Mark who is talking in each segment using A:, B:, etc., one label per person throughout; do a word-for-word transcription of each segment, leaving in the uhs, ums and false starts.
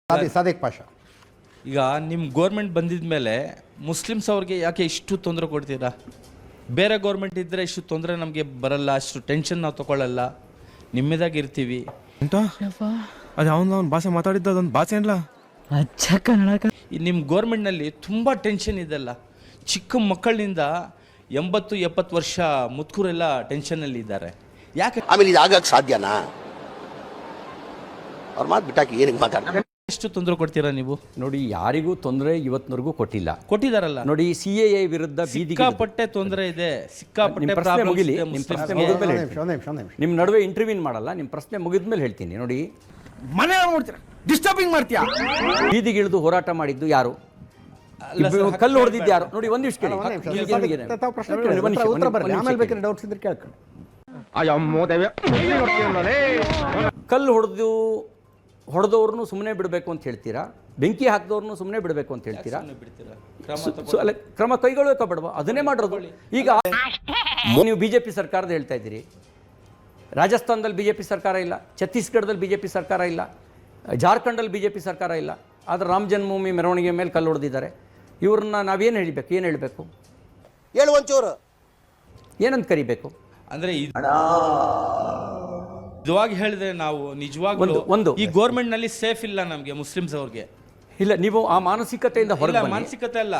A: ಸಾದಿಕ್ ಪಾಷಾ,
B: ಈಗ ನಿಮ್ಮ ಗೋರ್ಮೆಂಟ್ ಬಂದಿದ ಮೇಲೆ ಮುಸ್ಲಿಮ್ಸ್ ಅವ್ರಿಗೆ ಯಾಕೆ ಇಷ್ಟು ತೊಂದರೆ ಕೊಡ್ತೀರಾ? ಬೇರೆ ಗೋರ್ಮೆಂಟ್ ಇದ್ದರೆ ಇಷ್ಟು ತೊಂದರೆ ನಮಗೆ ಬರಲ್ಲ, ಅಷ್ಟು ಟೆನ್ಷನ್ ನಾವು ತೊಗೊಳ್ಳಲ್ಲ, ನಿಮ್ಮದಾಗಿರ್ತೀವಿ
C: ಅಂತ. ಅದು ಅವನು ಅವ್ನ ಭಾಷೆ ಮಾತಾಡಿದ್ದು ಅದೊಂದು ಭಾಷೆ ಅಲ್ಲ,
D: ಅಚ್ಚ ಕನ್ನಡ.
B: ನಿಮ್ಮ ಗೋರ್ಮೆಂಟ್ನಲ್ಲಿ ತುಂಬ ಟೆನ್ಷನ್ ಇದೆಲ್ಲ. ಚಿಕ್ಕ ಮಕ್ಕಳಿಂದ ಎಂಬತ್ತು ಎಪ್ಪತ್ತು ವರ್ಷ ಮುದುಕರೆಲ್ಲ ಟೆನ್ಷನಲ್ಲಿ ಇದ್ದಾರೆ. ಯಾಕೆ
E: ಆಮೇಲೆ ಇದು ಆಗಕ್ಕೆ ಸಾಧ್ಯನಾ? ಅವ್ರ ಮಾತು ಬಿಟ್ಟಾಕಿ ಏನಕ್ಕೆ ಮಾತಾಡ್ತಾರೆ?
B: ಎಷ್ಟು ತೊಂದರೆ ಕೊಡ್ತೀರಾ ನೀವು?
F: ನೋಡಿ, ಯಾರಿಗೂ ತೊಂದರೆ ಇವತ್ತಿನವರೆಗೂ ಕೊಟ್ಟಿಲ್ಲ.
B: ಕೊಟ್ಟಿದಾರಲ್ಲ
F: ನೋಡಿ, ಸಿ ಎ ಎ ವಿರುದ್ಧ
B: ಸಿಕ್ಕಾಪಟ್ಟೆ ತೊಂದರೆ ಇದೆ, ಸಿಕ್ಕಾಪಟ್ಟೆ
F: ಪ್ರಶ್ನೆ ಮುಗಿಲಿ. ನಿಮ್ಮ ಪ್ರಶ್ನೆ ಮುಗಿದ್ಮೇಲೆ ನಿಮ್ಮ ನಡುವೆ ಇಂಟರ್ವ್ಯೂನ್ ಮಾಡಲ್ಲ. ನಿಮ್ಮ ಪ್ರಶ್ನೆ ಮುಗಿದ್ಮೇಲೆ ಹೇಳ್ತೀನಿ. ನೋಡಿ,
C: ಮನೆ ನೋಡ್ತೀರಾ, ಡಿಸ್ಟರ್ಬಿಂಗ್ ಮಾಡ್ತೀಯಾ?
F: ಬೀದಿಗಿಳಿದು ಹೋರಾಟ ಮಾಡಿದ್ದು ಯಾರು? ಕಲ್ಲು ಹೊಡೆದಿದ್ದು ಯಾರು? ನೋಡಿ, ಒಂದು ನಿಮಿಷ ಕೇಳಿ. ಕಲ್ಲು ಹೊಡೆದು ಹೊಡೆದವ್ರನ್ನು ಸುಮ್ಮನೆ ಬಿಡಬೇಕು ಅಂತ ಹೇಳ್ತೀರಾ? ಬೆಂಕಿ ಹಾಕಿದವ್ರನ್ನು ಸುಮ್ಮನೆ ಬಿಡಬೇಕು ಅಂತ ಹೇಳ್ತೀರಾ? ಅಲ್ಲ, ಕ್ರಮ ಕೈಗೊಳ್ಳಬೇಕ ಬೇಡವಾ? ಅದನ್ನೇ ಮಾಡಿರೋದು. ಈಗ ನೀವು ಬಿಜೆಪಿ ಸರ್ಕಾರದ ಹೇಳ್ತಾ ಇದ್ದೀರಿ. ರಾಜಸ್ಥಾನದಲ್ಲಿ ಬಿಜೆಪಿ ಸರ್ಕಾರ ಇಲ್ಲ, ಛತ್ತೀಸ್ಗಢದಲ್ಲಿ ಬಿಜೆಪಿ ಸರ್ಕಾರ ಇಲ್ಲ, ಜಾರ್ಖಂಡಲ್ಲಿ ಬಿಜೆಪಿ ಸರ್ಕಾರ ಇಲ್ಲ. ಆದರೆ ರಾಮ ಜನ್ಮಭೂಮಿ ಮೆರವಣಿಗೆ ಮೇಲೆ ಕಲ್ಲು ಹೊಡೆದಿದ್ದಾರೆ. ಇವ್ರನ್ನ ನಾವೇನು ಹೇಳಬೇಕು? ಏನು ಹೇಳಬೇಕು?
E: ಹೇಳು ಒಂಚೂರು,
F: ಏನಂತ ಕರಿಬೇಕು?
B: ಅಂದರೆ ನಿಜವಾಗಿ ಹೇಳಿದ್ರೆ ನಾವು ನಿಜವಾಗ್ಲೂ
F: ಒಂದು
B: ಈ ಗೋರ್ಮೆಂಟ್ ನಲ್ಲಿ ಸೇಫ್ ಇಲ್ಲ ನಮಗೆ, ಮುಸ್ಲಿಮ್ಸ್ ಅವ್ರಿಗೆ
F: ಇಲ್ಲ. ನೀವು ಆ ಮಾನಸಿಕತೆಯಿಂದ ಹೊರಗೆ ಬನ್ನಿ.
B: ಮಾನಸಿಕತೆ ಅಲ್ಲ,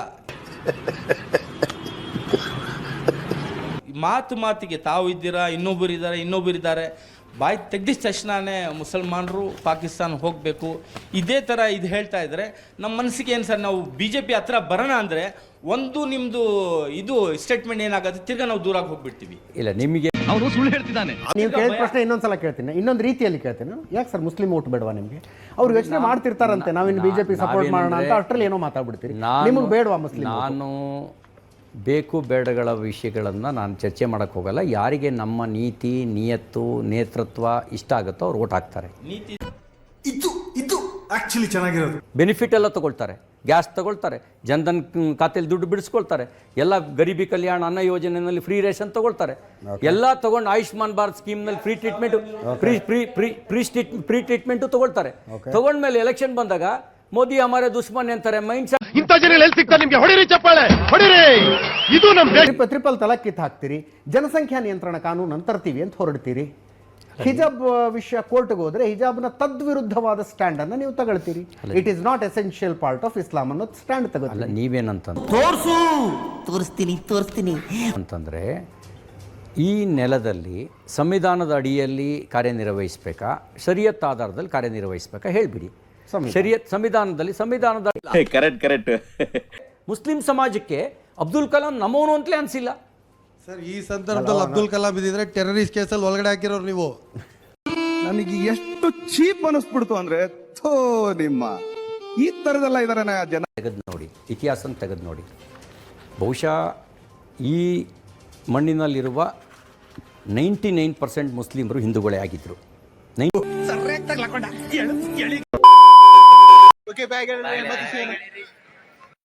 B: ಮಾತು ಮಾತಿಗೆ ತಾವು ಇದ್ದೀರಾ, ಇನ್ನೊಬ್ಬರು ಇದ್ದಾರೆ, ಇನ್ನೊಬ್ಬರು ಇದ್ದಾರೆ, ಬಾಯಿ ತೆಗ್ದಿದ ತಕ್ಷಣನೇ ಮುಸಲ್ಮಾನರು ಪಾಕಿಸ್ತಾನ ಹೋಗಬೇಕು, ಇದೇ ಥರ ಇದು ಹೇಳ್ತಾ ಇದ್ದಾರೆ. ನಮ್ಮ ಮನಸ್ಸಿಗೆ ಏನು ಸರ್, ನಾವು ಬಿ ಜೆ ಪಿ ಹತ್ರ ಬರೋಣ ಅಂದರೆ ಒಂದು ನಿಮ್ಮದು ಇದು ಸ್ಟೇಟ್ಮೆಂಟ್ ಏನಾಗುತ್ತೆ, ತಿರ್ಗಾ ನಾವು ದೂರಾಗಿ ಹೋಗ್ಬಿಡ್ತೀವಿ.
F: ಇಲ್ಲ, ನಿಮಗೆ
D: ಅವನು ಸುಳ್ಳು ಹೇಳ್ತಿದ್ದಾನೆ.
A: ನೀವು ಕೇಳಿದ ಪ್ರಶ್ನೆ ಇನ್ನೊಂದ್ಸಲ ಕೇಳ್ತೀನಿ, ಇನ್ನೊಂದು ರೀತಿಯಲ್ಲಿ ಕೇಳ್ತೀನಿ. ಯಾಕೆ ಸರ್ ಮುಸ್ಲಿಂ ಓಟ್ ಬೇಡವಾ ನಿಮಗೆ? ಅವ್ರು ಯೋಚನೆ ಮಾಡ್ತಿರ್ತಾರಂತೆ, ನಾವಿನ್ನು ಬಿಜೆಪಿ ಸಪೋರ್ಟ್ ಮಾಡೋಣ ಅಂತ, ಅಷ್ಟರಲ್ಲಿ ಏನೋ ಮಾತಾಡ್ಬಿಡ್ತೀರಿ. ನಿಮಗೆ ಬೇಡವಾ ಮುಸ್ಲಿಂ?
F: ನಾನು ಬೇಕು ಬೇಡಗಳ ವಿಷಯಗಳನ್ನು ನಾನು ಚರ್ಚೆ ಮಾಡೋಕ್ಕೆ ಹೋಗಲ್ಲ. ಯಾರಿಗೆ ನಮ್ಮ ನೀತಿ, ನಿಯತ್ತು, ನೇತೃತ್ವ ಇಷ್ಟ ಆಗುತ್ತೋ ಅವ್ರು ಓಟ್ ಹಾಕ್ತಾರೆ.
B: ನೀತಿ
C: ಇದು ಇದು ಆಕ್ಚುಲಿ ಚೆನ್ನಾಗಿರೋದು.
F: ಬೆನಿಫಿಟ್ ಎಲ್ಲ ತಗೊಳ್ತಾರೆ, ಗ್ಯಾಸ್ ತಗೊಳ್ತಾರೆ, ಜನ್ಧನ್ ಖಾತೆಯಲ್ಲಿ ದುಡ್ಡು ಬಿಡಿಸ್ಕೊಳ್ತಾರೆ, ಎಲ್ಲ ಗರೀಬಿ ಕಲ್ಯಾಣ ಅನ್ನ ಯೋಜನೆಯಲ್ಲಿ ಫ್ರೀ ರೇಷನ್ ತಗೊಳ್ತಾರೆ, ಎಲ್ಲ ತಗೊಂಡು ಆಯುಷ್ಮಾನ್ ಭಾರತ್ ಸ್ಕೀಮ್ನಲ್ಲಿ free treatment free free free free ಸ್ಟೀಟ್ ಫ್ರೀ ಟ್ರೀಟ್ಮೆಂಟು ತಗೊಳ್ತಾರೆ. ತಗೊಂಡ್ಮೇಲೆ ಎಲೆಕ್ಷನ್ ಬಂದಾಗ ಮೋದಿ ಹಮಾರೆ ದುಶ್ಮನ್ ಅಂತಾರೆ. ಮೈಂಡ್
E: ಇಂಥ ಜನ ಎಲ್ಲಿ ಸಿಗ್ತಾರೆ ನಿಮಗೆ? ಹೊಡಿರಿ ಚಪ್ಪಾಳೆ, ಹೊಡಿರಿ. ಇದು ನಮ್ಮ
A: ಟ್ರಿಪಲ್ ತಲಾಕ್ ಕಿತ್ತು ಹಾಕ್ತೀರಿ, ಜನಸಂಖ್ಯಾ ನಿಯಂತ್ರಣ ಕಾನೂನು ಅಂತ ತರ್ತೀವಿ ಅಂತ ಹೊರಡ್ತೀರಿ. ಹಿಜಾಬ್ ವಿಷಯ ಕೋರ್ಟ್ಗೆ ಹೋದ್ರೆ ಹಿಜಾಬ್ನ ತದ್ವಿರುದ್ಧವಾದ ಸ್ಟ್ಯಾಂಡ್ ಅನ್ನ ನೀವು ತಗೊಳ್ತೀರಿ. It is not essential part of Islam ಅನ್ನೋ ಸ್ಟ್ಯಾಂಡ್ ತಗೊಳ್ಳಿ.
F: ಅಲ್ಲ, ನೀವೇನಂತ
D: ತೋರ್ಸು, ತೋರಿಸ್ತೀನಿ ತೋರಿಸ್ತೀನಿ
F: ಅಂತಂದ್ರೆ, ಈ ನೆಲದಲ್ಲಿ ಸಂವಿಧಾನದ ಅಡಿಯಲ್ಲಿ ಕಾರ್ಯನಿರ್ವಹಿಸಬೇಕಾ, ಶರಿಯತ್ ಆಧಾರದಲ್ಲಿ ಕಾರ್ಯನಿರ್ವಹಿಸಬೇಕಾ ಹೇಳ್ಬಿಡಿ. ಶರಿಯತ್ ಸಂವಿಧಾನದಲ್ಲಿ ಸಂವಿಧಾನದ
G: ಕರೆಕ್ಟ್ ಕರೆಕ್ಟ್
F: ಮುಸ್ಲಿಂ ಸಮಾಜಕ್ಕೆ ಅಬ್ದುಲ್ ಕಲಾಂ ನಮೋನು ಅಂತಲೇ ಅನ್ಸಿಲ್ಲ
H: ಸರ್. ಈ ಸಂದರ್ಭದಲ್ಲಿ ಅಬ್ದುಲ್ ಕಲಾಂ ಇದ್ದಿದ್ರೆ ಟೆರರಿಸ್ಟ್ ಕೇಸಲ್ಲಿ ಒಳಗಡೆ ಹಾಕಿರೋರು ನೀವು.
C: ನನಗೆ ಎಷ್ಟು ಚೀಪ್ ಅನಿಸ್ಬಿಡ್ತು ಅಂದ್ರೆ, ಥೋ ನಿಮ್ಮ ಈ ತರದೆಲ್ಲ ಇದಾರೆ ಜನ.
F: ತೆಗೆದು ನೋಡಿ, ಇತಿಹಾಸ ತೆಗೆದು ನೋಡಿ. ಬಹುಶಃ ಈ ಮಣ್ಣಿನಲ್ಲಿರುವ ನೈಂಟಿ ನೈನ್ ಪರ್ಸೆಂಟ್ ಮುಸ್ಲಿಮರು ಹಿಂದೂಗಳೇ ಆಗಿದ್ರು. ನೈನ್